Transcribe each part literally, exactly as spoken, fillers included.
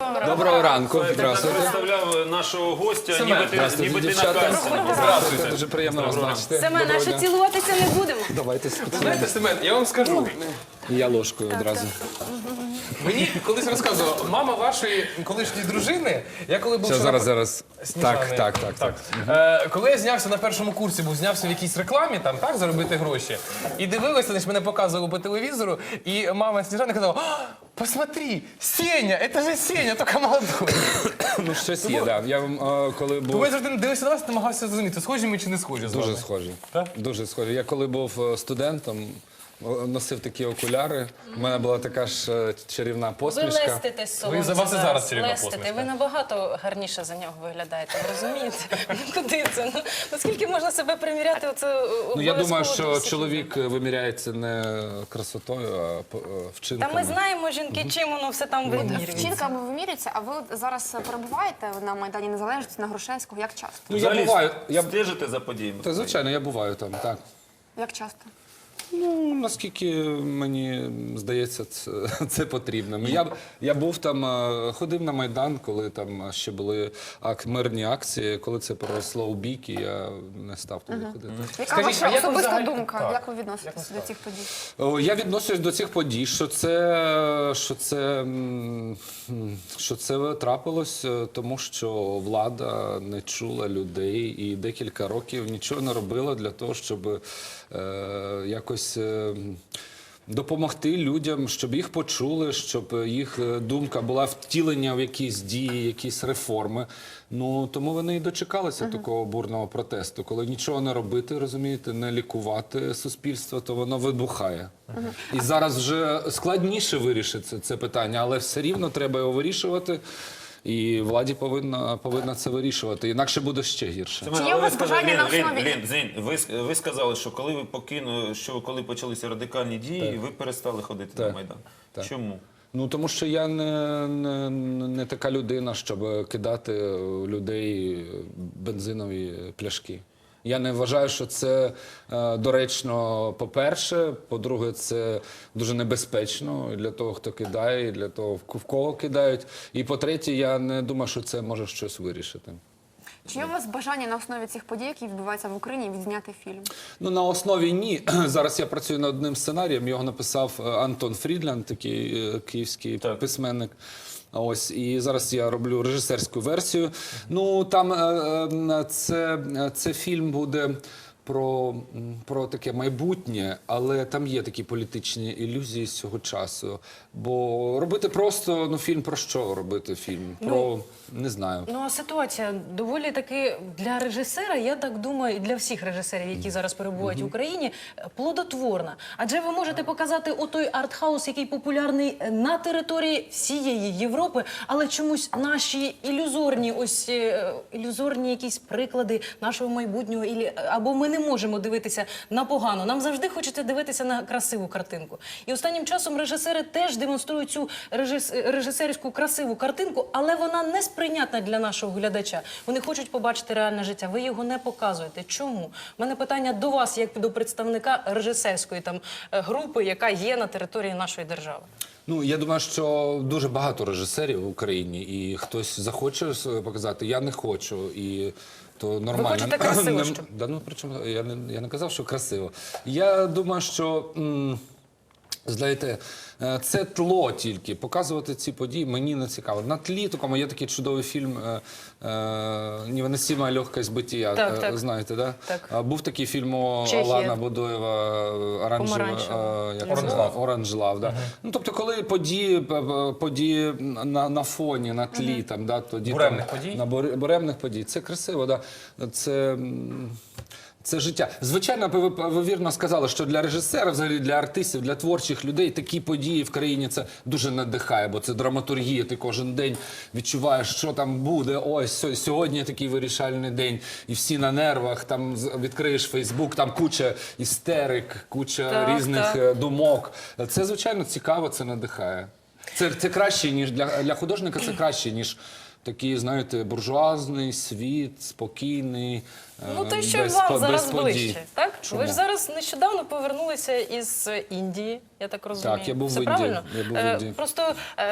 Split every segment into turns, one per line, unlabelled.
Доброго ранку.
Я
Здравствуйте.
представляв нашого гостя,
Семен.
ніби ти,
Здравствуйте,
ніби ти на
дівчата.
касі.
Здравствуйте. Дуже приємно вас бачити.
Семен, а
Доброго
що
дня.
цілуватися не будемо?
Давайте
Знаєте, Семен, я вам скажу.
І я ложкою одразу.
Мені колись розказував, мама вашої колишньої дружини, я коли був
Все,
ще
зараз,
на-
зараз.
Сніжани.
Так, так, так, так.
Е, коли я знявся на першому курсі, був знявся в якійсь рекламі, там, так, заробити гроші. І дивилися, значить, мене показували по телевізору, і мама Сніжани казала: «А, посмотри, Сеня, це же Сеня, тільки молодой».
Ну, щось є, так. Я вам, е, коли
Тому
був...
я завжди дивився на вас і намагався зрозуміти, схожі ми чи не схожі з вами.
Дуже схожі.
Так?
Дуже схожі. Я коли був е, студентом, о, носив такі окуляри. У мене була така ж е, чарівна
Ви
посмішка.
лестите з
Ви за вас і зараз чарівна
Лестите.
посмішка.
Ви набагато гарніше за нього виглядаєте, ви розумієте? Ну куди це? Ну, наскільки можна себе приміряти? Оце
Ну, я думаю, що
обов'язково
чоловік виміряється не красотою, а по- е,
Та
вчинками.
ми знаємо, жінки, чим воно все там вимірюється.
Вчинками вимірюється, а ви от зараз перебуваєте на Майдані Незалежності, на Грушевського? Як часто?
Ну, я
Взагалі,
буваю. Я...
стежите за подіями?
Та, звичайно, я буваю там, так.
Як часто?
Ну, наскільки мені здається, це, це потрібно. Я, я був там, е, ходив на Майдан, коли там ще були ак, мирні акції. Коли це переросло у бійки, я не став туди ходити.
Яка
Скажіть,
ваша
а як ви
особиста
взагалі-
думка?
Так.
Як ви відноситесь до цих подій?
О, Я відношусь до цих подій, що це, що це, м, що це трапилось, е, тому що влада не чула людей і декілька років нічого не робила для того, щоб е, якось е, допомогти людям, щоб їх почули, щоб їх е, думка була втілення в якісь дії, якісь реформи. Ну, тому вони і дочекалися такого бурного протесту. Коли нічого не робити, розумієте, не лікувати суспільство, то воно вибухає. І зараз вже складніше вирішити це питання, але все рівно треба його вирішувати. І владі повинна, повинна це вирішувати, інакше буде ще гірше.
Семен,
Чи є
але
у вас
ви сказали-
бажання на
Лін,
основі-
Лін, Лін, Зінь, ви, с- ви сказали, що коли ви покинули, що коли почалися радикальні дії, ви перестали ходити
Так.
на Майдан.
Так.
Чому?
Ну, тому що я не, не, не така людина, щоб кидати у людей бензинові пляшки. Я не вважаю, що це е, доречно, по-перше. По-друге, це дуже небезпечно і для того, хто кидає, і для того, в кого кидають. І по-третє, я не думаю, що це може щось вирішити.
Чи є у вас бажання на основі цих подій, які відбуваються в Україні, відзняти фільм?
Ну, на основі ні. Зараз я працюю над одним сценарієм. Його написав е, Антон Фрідланд, такий е, київський
Так.
письменник. Ось, і зараз я роблю режисерську версію. Ну, там е, е, це, це фільм буде про, м, про таке майбутнє, але там є такі політичні ілюзії з цього часу. Бо робити просто, ну, фільм про що робити фільм? Про, не знаю.
Ну, а ситуація доволі таки для режисера, я так думаю, і для всіх режисерів, які зараз перебувають в Україні, плодотворна. Адже ви можете показати отой артхаус, який популярний на території всієї Європи, але чомусь наші ілюзорні, ось е, ілюзорні якісь приклади нашого майбутнього, ілі- або ми не можемо дивитися на погано. Нам завжди хочеться дивитися на красиву картинку. І останнім часом режисери теж демонструють цю режис- режисерську красиву картинку, але вона не сприйнятна для нашого глядача. Вони хочуть побачити реальне життя. Ви його не показуєте. Чому? У мене питання до вас, як до представника режисерської там е, групи, яка є на території нашої держави.
Ну, я думаю, що дуже багато режисерів в Україні, і хтось захоче себе показати, я не хочу, і то нормально.
хочете красиво,
Не-
що?
Да, ну, причому, я не, я не казав, що красиво. Я думаю, що... м, знаєте, е, це тло тільки. Показувати ці події мені не цікаво. На тлі такому є такий чудовий фільм е, е, «Невыносимая легкость бытия».
Так,
е,
так.
Знаєте, да?
Так.
А, був такий фільм у
Чехія.
Алана Будоєва «Оранжева».
Помаранчева.
е, як
Orange
це?
Love.
Orange Love, да. Ну, тобто, коли події, п- п- події на, на фоні, на тлі, там, да, тоді,
Буремних
там,
подій?
На бур- буремних подій. Це красиво, да. Це... м, Це життя. Звичайно, ви, ви вірно сказали, що для режисера, взагалі для артистів, для творчих людей такі події в країні це дуже надихає, бо це драматургія. Ти кожен день відчуваєш, що там буде. Ось сьо- сьогодні такий вирішальний день, і всі на нервах. Там з- відкриєш Фейсбук, там куча істерик, куча
Так,
різних
так.
е, думок. Це звичайно цікаво, це надихає. Це, це краще ніж для, для художника. Це краще ніж. Такий, знаєте, буржуазний світ, спокійний,
Ну,
е,
то що
без
вам
по-
зараз
без подій.
ближче, так?
Чому?
Ви ж зараз нещодавно повернулися із Індії, я так розумію.
Так, я був
Все
в Індії.
правильно?
Я був в
Е,
Індії.
Просто е,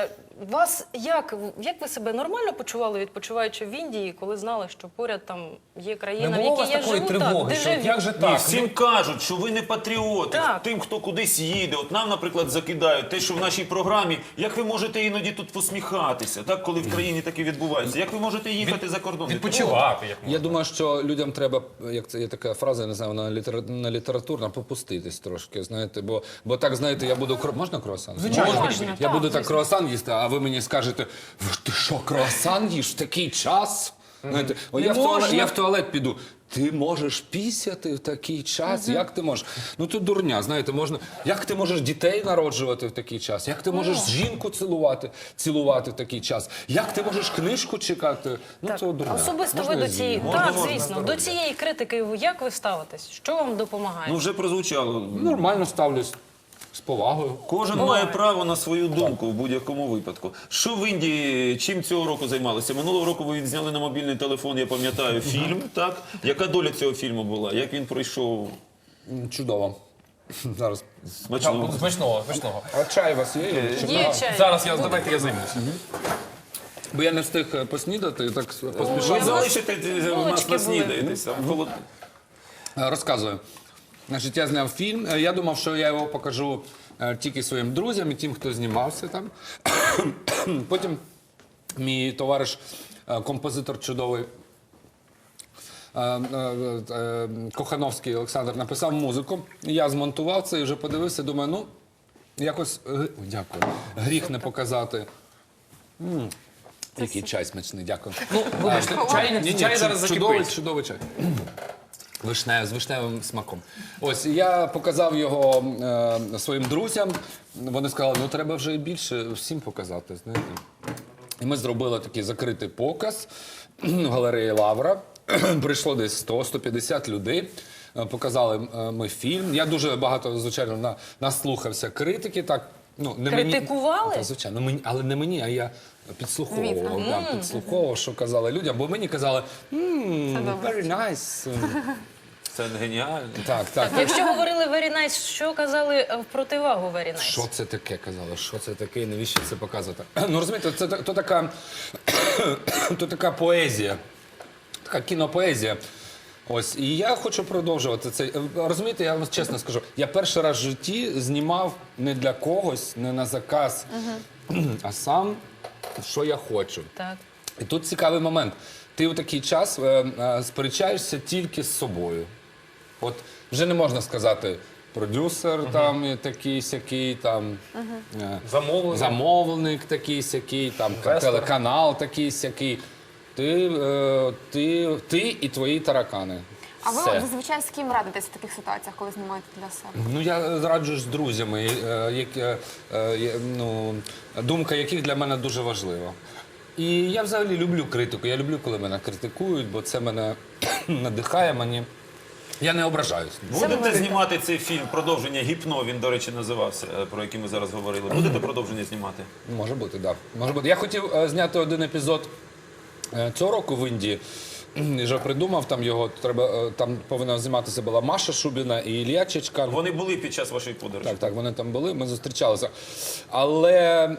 вас як, як ви себе нормально почували, відпочиваючи в Індії, коли знали, що поряд там є країна,
Не
в
було у
якій
вас
я
такої
живу, так,
тривоги, що
дежавю.
от як же
Ні,
так?
всім кажуть, що ви не патріоти.
Так.
Тим, хто кудись їде. От нам, наприклад, закидають те, що в нашій програмі, як ви можете іноді тут посміхатися, так, коли в країні таке відбувається? Як ви можете їхати за кордон?
Відпочивати, як можна.
Я думаю, що людям треба, як це є така фраза, я не знаю, вона літера, не літературна, попуститись трошки, знаєте, бо, бо так, знаєте, я буду, кро- можна круасан?
Звичайно.
Можна,
Я
так,
буду так
звісно.
круасан їсти, а ви мені скажете, «Ви ж ти що, круасан їш в такий час? Знаєте, о,
Не
я, в туалет,
можна.
я в туалет піду. Ти можеш пісяти в такий час? Як ти можеш? Ну то дурня, знаєте, можна. Як ти можеш дітей народжувати в такий час? Як ти можеш жінку цілувати, цілувати в такий час? Як ти можеш книжку чекати? Ну
Так,
це дурня.
особисто
Можна
ви до
я
цієї,
з'їм?
так,
можна,
звісно, до цієї критики ви- як ви ставитесь? Що вам допомагає?
Ну, вже прозвучало.
Нормально ставлюсь. З повагою.
Кожен має право на свою думку в будь-якому випадку. Що в Індії, чим цього року займалися? Минулого року ви відзняли на мобільний телефон, я пам'ятаю, фільм, так? Яка доля цього фільму була? Як він пройшов?
М, Чудово. Зараз.
Смачно.
Смачного, смачного.
А чай у вас є? Чи
Є
нема?
чай.
Зараз я, давайте я займусь.
Бо я не встиг е, поснідати, так
Ви
поспішав.
залишите е, нас
булочки були.
наснідаєтесь. а холод-
Е, Розказую. Значить, я зняв фільм. Е, Я думав, що я його покажу е, тільки своїм друзям і тим, хто знімався там. Потім мій товариш, е, композитор чудовий, е, е, е, Кохановський Олександр, написав музику. Я змонтував це і вже подивився, думаю, ну, якось, е, ой, дякую, гріх не показати. М, Який чай смачний, дякую.
Ну, вибачте, чай,
Ні, ні,
чай
чу-
зараз
чудовий,
закипить.
чудовий чай. Вишнев, з вишневим смаком. Ось я показав його е, своїм друзям. Вони сказали, ну треба вже більше всім показати. Знаєте. І ми зробили такий закритий показ в галереї Лавра. Прийшло десь сто - сто п'ятдесят людей. Е, Показали е, ми фільм. Я дуже багато, звичайно, на, наслухався критики. Так, ну, не
Критикували?
Мені, та, звичайно, мені, але не мені, а я підслуховував. Да, підслуховував, що казали людям, бо мені казали, «Мм, very nice.
Це геніально.
Так, так.
Якщо говорили very nice, що казали е, в противагу very nice?
Що це таке, казали? Що це таке? і Навіщо це показувати? Ну розумієте, це та- то така, то така поезія, така кінопоезія. Ось, і я хочу продовжувати це. Розумієте, я вам чесно скажу, я перший раз в житті знімав не для когось, не на заказ, а сам, що я хочу.
Так.
І тут цікавий момент. Ти у такий час е, е, сперечаєшся тільки з собою. От вже не можна сказати продюсер там і такий сякий, там е,
Замовлення.
замовник такий сякий, там
Інвестор.
телеканал такий сякий. Ти, е, ти, ти і твої таракани.
А ви
Все.
зазвичай з ким радитесь в таких ситуаціях, коли знімаєте для себе?
Ну я раджу з друзями, е, які, е, е, ну, думка яких для мене дуже важлива. І я взагалі люблю критику. Я люблю, коли мене критикують, бо це мене надихає мені. Я не ображаюсь.
Будете знімати цей фільм, продовження «Гіпно», він, до речі, називався, е, про який ми зараз говорили. Будете продовження знімати?
Може бути, так. Да. Може бути. Я хотів е, зняти один епізод е, цього року в Індії. І вже придумав там його. Треба е, там повинна зніматися була Маша Шубіна і Ілля Чичкан.
Вони були під час вашої подорожі?
Так, так, вони там були, ми зустрічалися. Але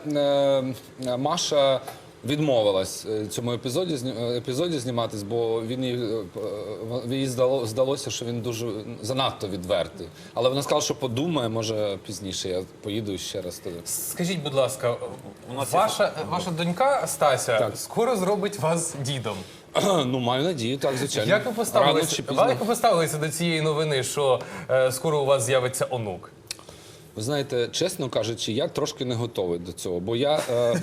е, Маша відмовилась е, цьому епізоді, зні- е, епізоді зніматись, бо він їй, е, е, їй здало, здалося, що він дуже занадто відвертий. Але вона сказала, що подумає, може пізніше я поїду ще раз туди.
Скажіть, будь ласка,
У нас є
ваша, ваша донька Стася
Так.
скоро зробить вас дідом.
Ну, маю надію, так, звичайно.
Як ви
Рано
поставилися,
чи пізно.
як ви поставилися до цієї новини, що е, скоро у вас з'явиться онук?
Ви знаєте, чесно кажучи, я трошки не готовий до цього, бо я... Е,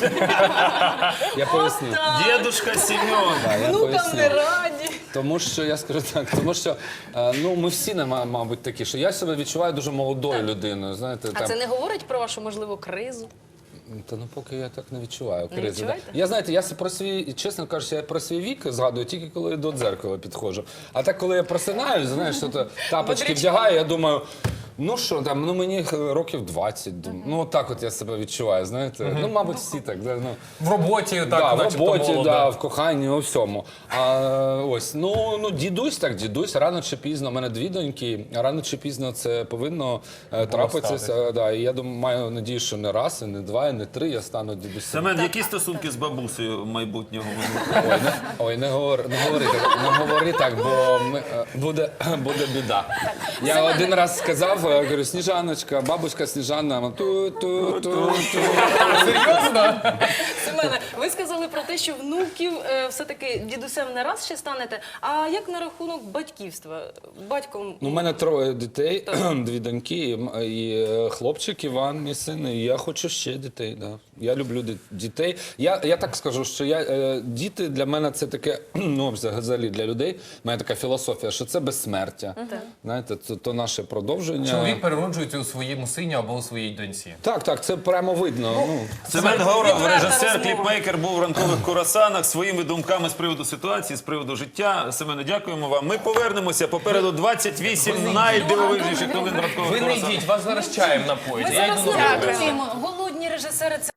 я поясню.
Дідушка Сім'он!
Да, я
Внукам
поясню.
не раді.
Тому що я скажу так, тому що е, ну ми всі не ма- мабуть такі, що я себе відчуваю дуже молодою людиною. Знаєте,
А
там
це не говорить про вашу можливу кризу?
та ну поки я так не відчуваю
Не
кризи. да.
відчуваєте?
Я знаєте, я се- про свій, чесно кажучи, я про свій вік згадую тільки коли до дзеркала підходжу. А так, коли я просинаюсь, знаєш, що то тапочки
Бодрячком.
вдягаю, я думаю. Ну що там, ну мені років двадцять, дум- ну так от я себе відчуваю, знаєте. Ну, мабуть, всі так. да, Ну,
В роботі, так,
да, в
начебто
роботі,
молода.
да, в коханні, у всьому. А ось, ну, ну дідусь так, дідусь, рано чи пізно, у мене дві доньки, а рано чи пізно це повинно е, трапитися.
статися.
Да, і я думаю, маю надію, що не раз, і не два, і не три, я стану дідусем.
Семен, які стосунки з бабусею майбутнього?
Ой, не, ой, не говори, не говори так, не говори так, бо ми, е, буде, буде біда. Я один раз сказав, е, говорю, Сніжаночка, бабуська Сніжана, ту-ту-ту-ту.
Серйозно?
Семене, ви сказали про те, що внуків е, все-таки дідусем не раз ще станете. А як на рахунок батьківства? Батьком
Ну, у мене троє дітей, дві доньки і, м- і е, хлопчик Іван, мій син, і я хочу ще дітей. Да. Я люблю ді- дітей. Я, я так скажу, що я, е, діти для мене це таке, ну, взагалі для людей, в мене така філософія, що це безсмертя. Знаєте, то, то наше продовження.
Чоловік перероджується у своєму сині або у своїй доньці.
Так, так, це прямо видно. Ну,
Семен Горов,
відверта
режисер,
розмова.
кліпмейкер, був в ранкових курасанах своїми думками з приводу ситуації, з приводу життя. Семене, дякуємо вам. Ми повернемося. Попереду двадцять вісім найдивовижніших новин ранкових
Ви не
курасанах.
йдіть, вас зараз чаєм напоїть.
Ми
Я йду
зараз
додому.
не голодні режисери.